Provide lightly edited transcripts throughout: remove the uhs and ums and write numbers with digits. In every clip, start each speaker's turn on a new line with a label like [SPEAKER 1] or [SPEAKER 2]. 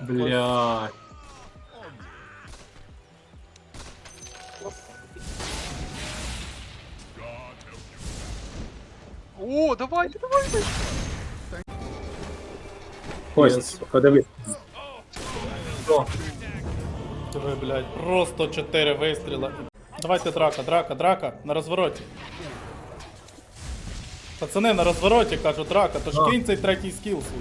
[SPEAKER 1] Бля.
[SPEAKER 2] О, давайте, давайте!
[SPEAKER 3] Кость, подивись.
[SPEAKER 4] Диви, блядь, просто 4 вистріла. Давайте драка, на розвороті. Пацани, на розвороті, кажу, драка, то ж кинь цей третій скіл свій.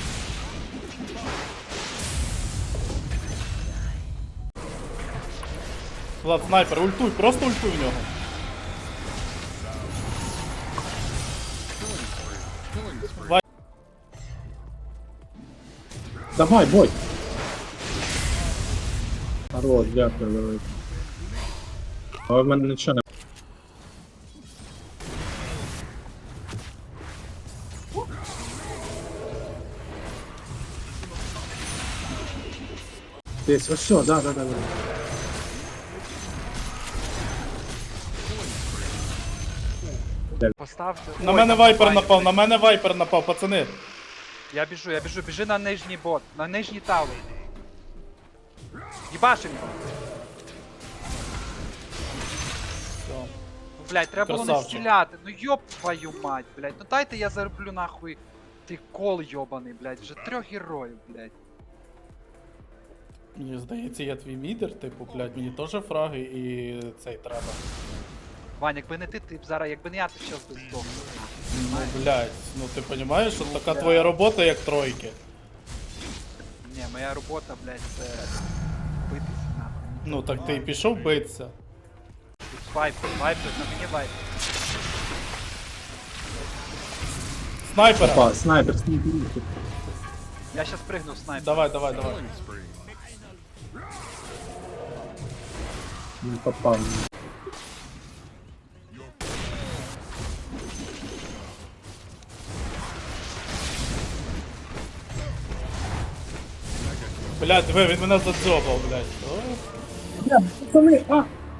[SPEAKER 4] Влад, снайпер, ультуй, просто ультуй в нього.
[SPEAKER 3] Давай, бой. Хорош, дякую, велике. Але в мене нічого не... Десь, ось все, да.
[SPEAKER 2] Поставте.
[SPEAKER 4] На
[SPEAKER 2] Ой,
[SPEAKER 4] мене
[SPEAKER 2] там
[SPEAKER 4] вайпер напав, пацани.
[SPEAKER 2] Я біжу, біжи на нижній бот, на нижній тавер. Їбашим його.
[SPEAKER 4] Все.
[SPEAKER 2] Блять, треба було не
[SPEAKER 4] Красавчик.
[SPEAKER 2] стріляти. Ну йоб твою мать, блять. Ну дайте я зароблю нахуй ти кол йобаний, блять. Вже 3 героїв, блять.
[SPEAKER 4] Мені здається, я твій мідер, типу, блядь, мені теж фраги і цей треба.
[SPEAKER 2] Вань, якби не ти б зараз, якби не я, ти щас би здох.
[SPEAKER 4] Ну, блядь, ну ти розумієш, що така твоя робота, як тройки.
[SPEAKER 2] Ні, моя робота, блять, це битися нахуй.
[SPEAKER 4] Ну так ти і пішов битися.
[SPEAKER 2] Тут вайпер, на мені вайпер.
[SPEAKER 4] Снайпера!
[SPEAKER 3] Опа, снайпер.
[SPEAKER 2] Я щас пригну в снайпер.
[SPEAKER 4] Давай.
[SPEAKER 3] Не попав.
[SPEAKER 4] Блядь, диви, він мене задзьобав, блядь. О,
[SPEAKER 3] Пацани, а!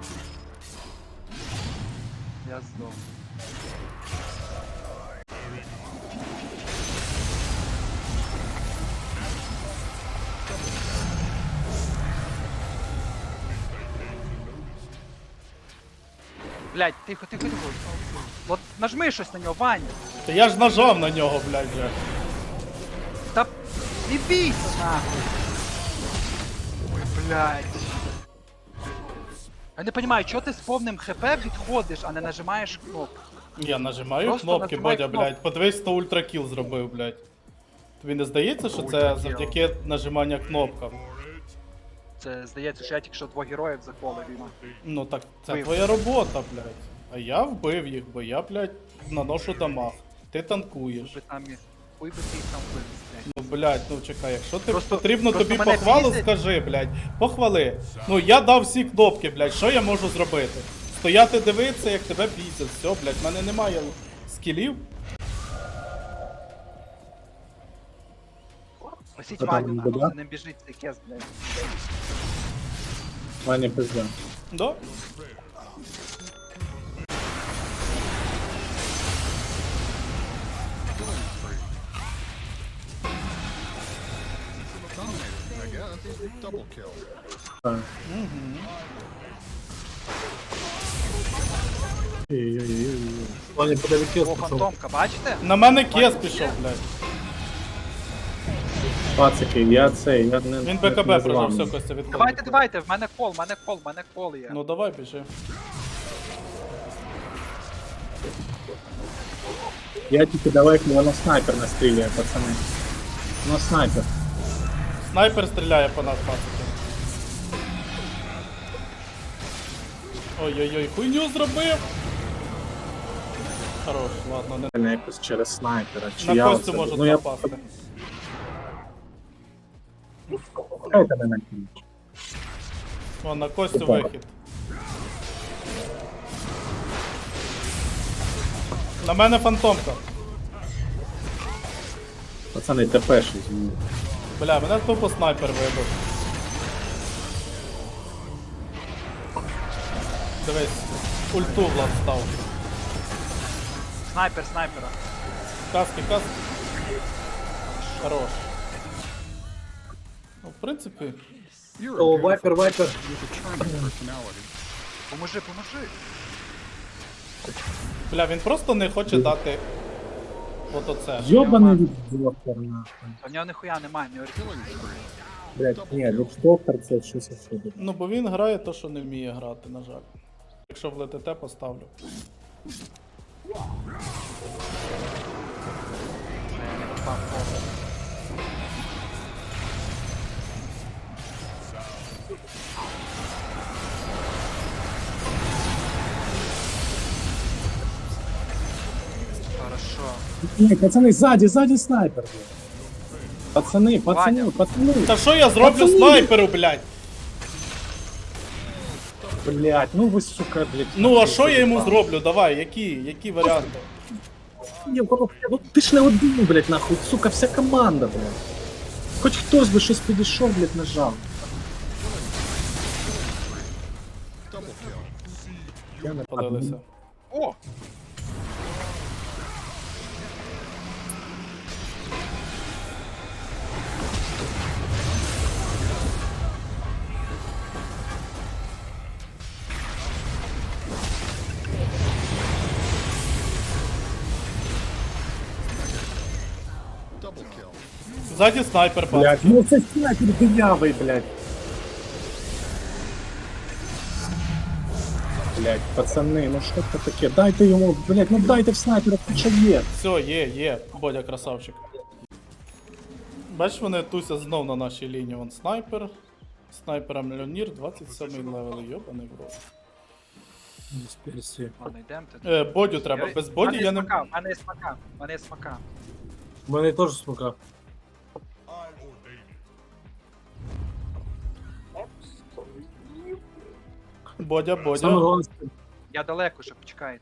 [SPEAKER 2] Я здох. Блять, тихо. От нажми щось на нього, Ваня.
[SPEAKER 4] Та я ж нажав на нього, блядь, вже.
[SPEAKER 2] Та не бійся нахуй. Ой, блядь. Я не понимаю, чого ти з повним хп відходиш, а не нажимаєш кнопку.
[SPEAKER 4] Я нажимаю
[SPEAKER 2] Просто
[SPEAKER 4] кнопки,
[SPEAKER 2] нажимай
[SPEAKER 4] Бодя,
[SPEAKER 2] кнопку.
[SPEAKER 4] блядь. Подивись, 100 ультракіл зробив, блядь. Тобі не здається, що це
[SPEAKER 2] Ультракіл.
[SPEAKER 4] завдяки нажимання кнопкам?
[SPEAKER 2] Це здається, що я тільки що 2 героїв заколив і нахуй.
[SPEAKER 4] Ну так це
[SPEAKER 2] Вбив.
[SPEAKER 4] твоя робота, блядь. А я вбив їх, бо я, блядь, наношу дамаг. Ти танкуєш.
[SPEAKER 2] Ви там хуй би ти їх там вивез, блядь.
[SPEAKER 4] Ну, блядь, ну чекай, якщо ти
[SPEAKER 2] Просто-
[SPEAKER 4] потрібно
[SPEAKER 2] просто
[SPEAKER 4] тобі
[SPEAKER 2] мене
[SPEAKER 4] похвалу,
[SPEAKER 2] бісить.
[SPEAKER 4] скажи, блядь. Похвали. Ну я дав всі кнопки, блядь, що я можу зробити? Стояти дивитися, як тебе бісять. Все, блядь, в мене немає скілів.
[SPEAKER 2] Просіть
[SPEAKER 3] Та там
[SPEAKER 2] Ваню, нахуй,
[SPEAKER 3] беда?
[SPEAKER 2] за ним біжить цей кес, блядь.
[SPEAKER 3] Ваня пизда.
[SPEAKER 4] Да?
[SPEAKER 3] Так. Ой-ой-ой. Ваня, подиви кіл,
[SPEAKER 2] О, фантомка, бачите?
[SPEAKER 4] На мене кес пішов, блядь.
[SPEAKER 3] Пацики, я цей, я не...
[SPEAKER 4] Він
[SPEAKER 3] не
[SPEAKER 4] БКБ
[SPEAKER 3] з
[SPEAKER 4] прожав,
[SPEAKER 3] вами.
[SPEAKER 4] все, Костя, відходить.
[SPEAKER 2] Давайте, в мене кол є.
[SPEAKER 4] Ну давай, біжи.
[SPEAKER 3] Я тільки далеко, воно снайпер настрілює, пацани. Воно снайпер.
[SPEAKER 4] Снайпер стріляє по нас, пацики. Ой-ой-ой, хуйню зробив! Хорош, ладно, не...
[SPEAKER 3] Не якось через снайпера, чи
[SPEAKER 4] На
[SPEAKER 3] я
[SPEAKER 4] Костю
[SPEAKER 3] оце-
[SPEAKER 4] можуть
[SPEAKER 3] ну, я...
[SPEAKER 4] напасти.
[SPEAKER 3] Хайте мене кінч.
[SPEAKER 4] О, на Костю
[SPEAKER 3] Опа.
[SPEAKER 4] вихід. На мене фантомка.
[SPEAKER 3] Пацани, ТП-ші, звідси.
[SPEAKER 4] Бля, мене тупо снайпер вибив. Дивись, ульту Влад став.
[SPEAKER 2] Снайпера.
[SPEAKER 4] Каски. Хорош. Ну, в принципі,
[SPEAKER 3] О, вайпер, вайпер.
[SPEAKER 2] Поможи, поможи.
[SPEAKER 4] бля, він просто не хоче дати от оце.
[SPEAKER 3] Йобаний віддоктор, нахуй.
[SPEAKER 2] У нього ніхуя немає, не оригінальний.
[SPEAKER 3] Блять, ні, віддоктор це щось особливе.
[SPEAKER 4] Ну, бо він грає то, що не вміє грати, на жаль. Якщо в ЛТТ поставлю.
[SPEAKER 2] Я не попав в фокус. Хорошо.
[SPEAKER 3] Ні, пацани, ззаді снайпер, блядь. Пацани,
[SPEAKER 2] Ваня.
[SPEAKER 3] пацани.
[SPEAKER 4] Та що я зроблю
[SPEAKER 3] Пацани!
[SPEAKER 4] снайперу, блядь?
[SPEAKER 3] Блять, ну ви, сука, блять.
[SPEAKER 4] Ну, а що я йому зроблю? Давай, які варіанти?
[SPEAKER 3] Ні, ну ти ж не один, блять, нахуй, сука, вся команда, блять. Хоч хтось би щось підійшов, блять, нажав. Я не
[SPEAKER 4] Подалися.
[SPEAKER 2] О!
[SPEAKER 4] Ззаді снайпер, пацан.
[SPEAKER 3] Блять, ну це снайпер дивявий, блять. Блять, пацани, ну що це таке? Дайте йому, блять, ну дайте в снайпера, хоча є.
[SPEAKER 4] Все, є, Бодя красавчик. Бачиш, вони туся знов на нашій лінії. Вон снайпер. Снайпера Мільйонір, 27 левел, йобаний в рот.
[SPEAKER 2] Ладно, йдемо ти.
[SPEAKER 4] Бодю треба, без Боді я не...
[SPEAKER 2] В мене є смака, в мене є смака.
[SPEAKER 3] У мене теж смука.
[SPEAKER 4] Бодя.
[SPEAKER 2] Я далеко ще, почекайте.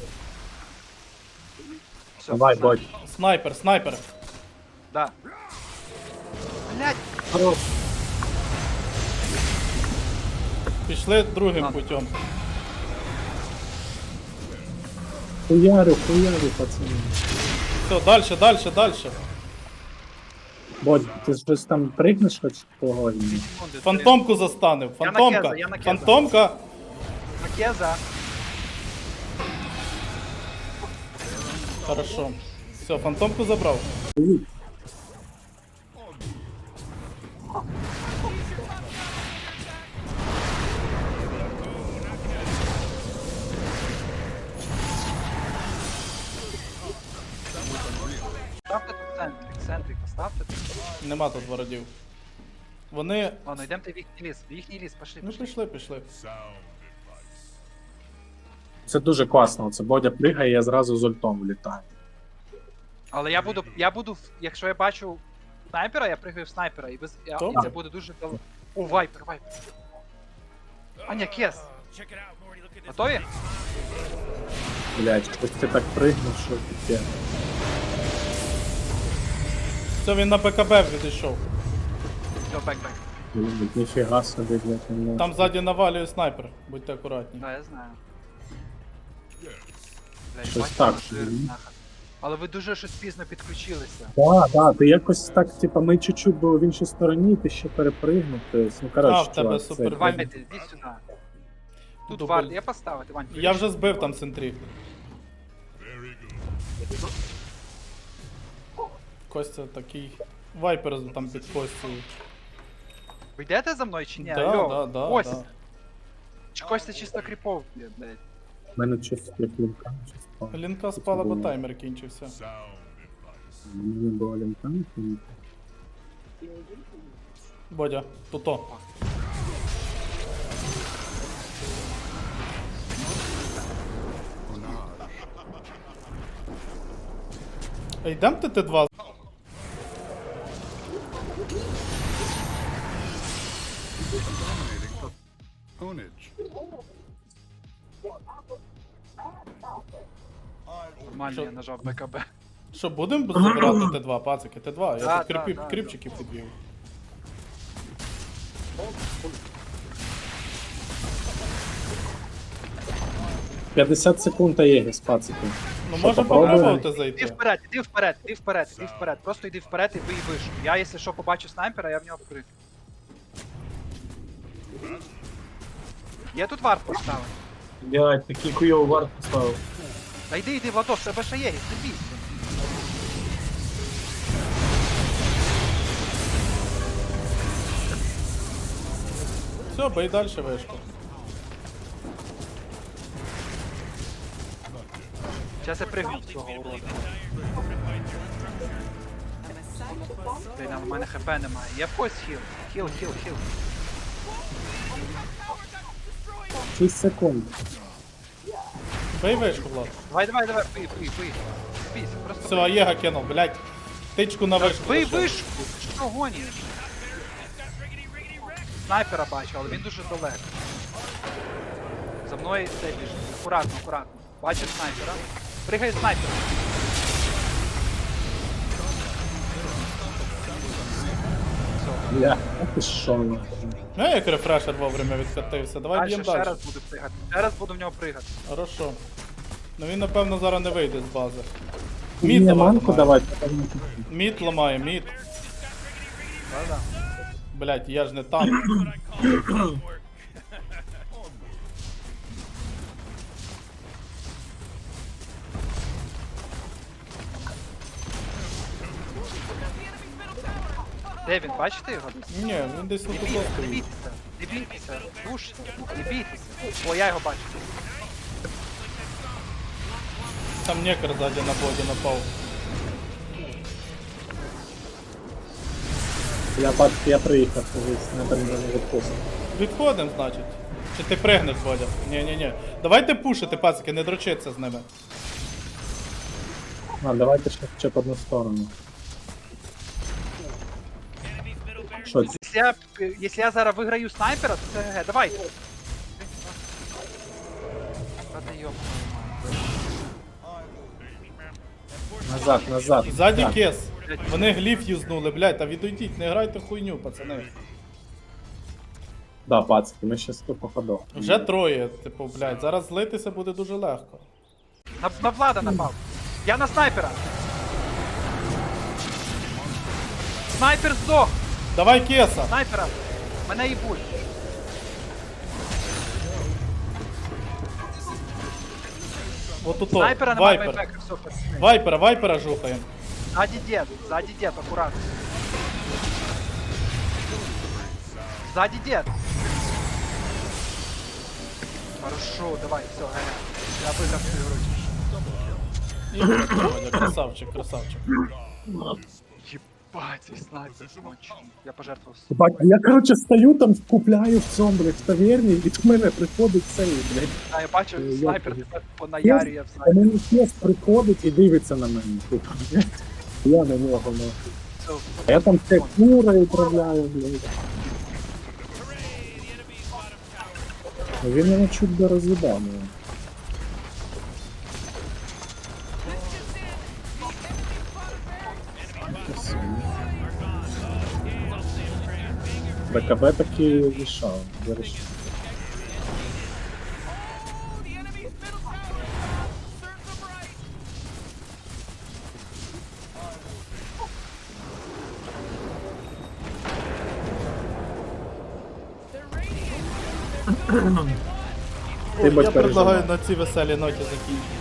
[SPEAKER 2] Все,
[SPEAKER 3] Давай,
[SPEAKER 2] пацани.
[SPEAKER 3] бодь.
[SPEAKER 4] Снайпер.
[SPEAKER 2] Да. Блять!
[SPEAKER 3] Хорош.
[SPEAKER 4] Пішли другим
[SPEAKER 2] Ладно.
[SPEAKER 4] путем.
[SPEAKER 3] Хуярю, пацани.
[SPEAKER 4] Все, дальше.
[SPEAKER 3] Бодь, ти щось там пригнеш хоч того?
[SPEAKER 2] Секунди,
[SPEAKER 4] Фантомку застанив.
[SPEAKER 2] Я на
[SPEAKER 4] Фантомка.
[SPEAKER 2] Кеза, я на Кеза.
[SPEAKER 4] Фантомка.
[SPEAKER 2] Макеза.
[SPEAKER 4] Хорошо. Все, фантомку забрав.
[SPEAKER 2] Ставте тут центрик, поставте тут.
[SPEAKER 4] Нема тут вородів. Вони.
[SPEAKER 2] Ладно, йдемте в їхній ліс, пошли.
[SPEAKER 4] Ну пішли.
[SPEAKER 3] Це дуже класно, це Бодя пригає, я зразу з ультом влітаю.
[SPEAKER 2] Але я буду, якщо я бачу снайпера, я пригаю в снайпера, і
[SPEAKER 4] Добре.
[SPEAKER 2] це буде дуже дал. О, вайпер. Аня, кес. Готові?
[SPEAKER 3] Блять, хтось ти так пригнув, що таке.
[SPEAKER 4] Все, він на БКБ відійшов.
[SPEAKER 2] Все, бек.
[SPEAKER 3] Блять, ніфіга собі, блять, ну.
[SPEAKER 4] Там ззаді навалює снайпер. Будьте акуратні.
[SPEAKER 2] Да, я знаю. Блядь,
[SPEAKER 3] Щось
[SPEAKER 2] бачите,
[SPEAKER 3] так
[SPEAKER 2] жир,
[SPEAKER 3] собі.
[SPEAKER 2] нахер. Але ви дуже щось пізно підключилися.
[SPEAKER 3] Да, ти якось так, типа, ми чуть-чуть були в іншій стороні, ти ще перепригнув, тобто, ну коротше,
[SPEAKER 4] в тебе
[SPEAKER 3] чувак,
[SPEAKER 4] супер
[SPEAKER 3] це-
[SPEAKER 2] Вань, іди сюди. Тут
[SPEAKER 4] Дубль.
[SPEAKER 2] варт, я поставити, Вань.
[SPEAKER 4] Я вже збив там центрі. Костя такий. Вайпер там під Костею.
[SPEAKER 2] Ви йдете за мною чи ні?
[SPEAKER 4] Да.
[SPEAKER 2] Ось. Чи Костя чисто кріпов, блядь.
[SPEAKER 3] В мене щось як лінка, щось впало.
[SPEAKER 4] Лінка спала, бо таймер кінчився.
[SPEAKER 3] У мене була лінка, і-
[SPEAKER 4] Бодя, туто. Йдем ТТ2.
[SPEAKER 2] Нормально,
[SPEAKER 4] Що?
[SPEAKER 2] я нажав БКБ.
[SPEAKER 4] Що, будемо забирати Т2, пацики? Т2, я
[SPEAKER 2] Да,
[SPEAKER 4] тут
[SPEAKER 2] да.
[SPEAKER 4] кріпчиків підвів.
[SPEAKER 3] — 50 секунд та є, пацики.
[SPEAKER 4] Ну
[SPEAKER 3] Що,
[SPEAKER 4] можемо
[SPEAKER 3] попробуємо?
[SPEAKER 4] попробувати
[SPEAKER 2] Іди
[SPEAKER 4] зайти.
[SPEAKER 2] вперед. Просто йди вперед і вийшов. Я, якщо що, побачу снайпера, я в нього прыг. Я тут варт поставив.
[SPEAKER 3] Блядь, такий хуйовий варт поставив.
[SPEAKER 2] Та йди, Владос, в тебе ще є, не бійся.
[SPEAKER 4] Все, бей далі вишку.
[SPEAKER 2] Зараз я пригну в цього урода. Блін, а в мене хп немає. Я в когось хіл. Хіл.
[SPEAKER 3] 6 секунд.
[SPEAKER 4] Бей вишку, Влад.
[SPEAKER 2] Давай, бий. Бійся, просто
[SPEAKER 4] Все, Аєга кинув, блядь. Тичку на вишку.
[SPEAKER 2] бий
[SPEAKER 4] лишив.
[SPEAKER 2] вишку! Що гониш? Снайпера бачу, але він дуже далеко. За мною цей біжить. Акуратно. Бачиш снайпера. Пригай снайпер. Все.
[SPEAKER 3] Бля, а ти що нахуй?
[SPEAKER 4] Ну, як рефрешер вовремя відкатився. Давай
[SPEAKER 2] Дальше
[SPEAKER 4] б'єм
[SPEAKER 2] ще
[SPEAKER 4] далі.
[SPEAKER 2] раз буду пригати. Ще раз буду в нього пригати.
[SPEAKER 4] Хорошо. Ну він, напевно, зараз не вийде з бази.
[SPEAKER 3] Мені
[SPEAKER 4] Мід давай
[SPEAKER 3] манку
[SPEAKER 4] ламає.
[SPEAKER 3] давай.
[SPEAKER 4] Мід ламає, мід.
[SPEAKER 2] Да-да.
[SPEAKER 4] Блять, я ж не танк.
[SPEAKER 2] Де він, бачите його?
[SPEAKER 4] Ні, він десь
[SPEAKER 2] Не
[SPEAKER 4] тут
[SPEAKER 2] бійтеся, не
[SPEAKER 4] стоїть.
[SPEAKER 2] бійтеся. Душте, не бійтеся. О, я його бачу.
[SPEAKER 4] Там некер ззаді на боді напав.
[SPEAKER 3] Я приїхав, снайпер не відпустив.
[SPEAKER 4] Відходим, значить. Чи ти пригнеш, Бодя? Ні. Давайте пушити, пацики, не дрочиться з ними.
[SPEAKER 3] А, давайте ще хоча б одну сторону. Що це?
[SPEAKER 2] Якщо я зараз виграю снайпера, то це ГГ. Давай. Та ти йоп.
[SPEAKER 3] Назад.
[SPEAKER 4] Ззаді
[SPEAKER 3] Так.
[SPEAKER 4] кес. Вони гліф юзнули, блядь, та відійдіть, не грайте хуйню, пацани.
[SPEAKER 3] Да, пацки, ми ще 100 походов.
[SPEAKER 4] Вже троє, типу, блядь, зараз злитися буде дуже легко.
[SPEAKER 2] На Влада напав. Я на снайпера. Снайпер здох.
[SPEAKER 4] Давай кеса!
[SPEAKER 2] Снайпера. Мене їбуть.
[SPEAKER 4] Вот тут
[SPEAKER 2] Снайпера немає
[SPEAKER 4] вайпер.
[SPEAKER 2] байбека. Все, пацани.
[SPEAKER 4] Вайпера жухаємо.
[SPEAKER 2] Сзади дед, аккуратно. Сзади дед. Хорошо, давай, все, я выиграл свою игру.
[SPEAKER 4] І красавчик.
[SPEAKER 2] Ебать, здесь снайпер конченый. Я пожертвовал.
[SPEAKER 3] Бать, я, короче, стою там, купляю в цьому, блядь, в таверні, і до мене приходить цей, блядь.
[SPEAKER 2] А я бачу,
[SPEAKER 3] Я
[SPEAKER 2] снайпер
[SPEAKER 3] понял.
[SPEAKER 2] тепер понаярює в
[SPEAKER 3] А
[SPEAKER 2] снайпер.
[SPEAKER 3] мені кес приходить і дивиться на мене, типу, блядь. Я на нього, нахуй.
[SPEAKER 2] Все,
[SPEAKER 3] А я там все кура управляю, блядь. Ну, він мене чуть би роз'їбав, блядь. БКБ таки рішав, вирішив. Ти
[SPEAKER 4] Я
[SPEAKER 3] будь
[SPEAKER 4] предлагаю
[SPEAKER 3] переживай.
[SPEAKER 4] на цій веселій ноті закінчити.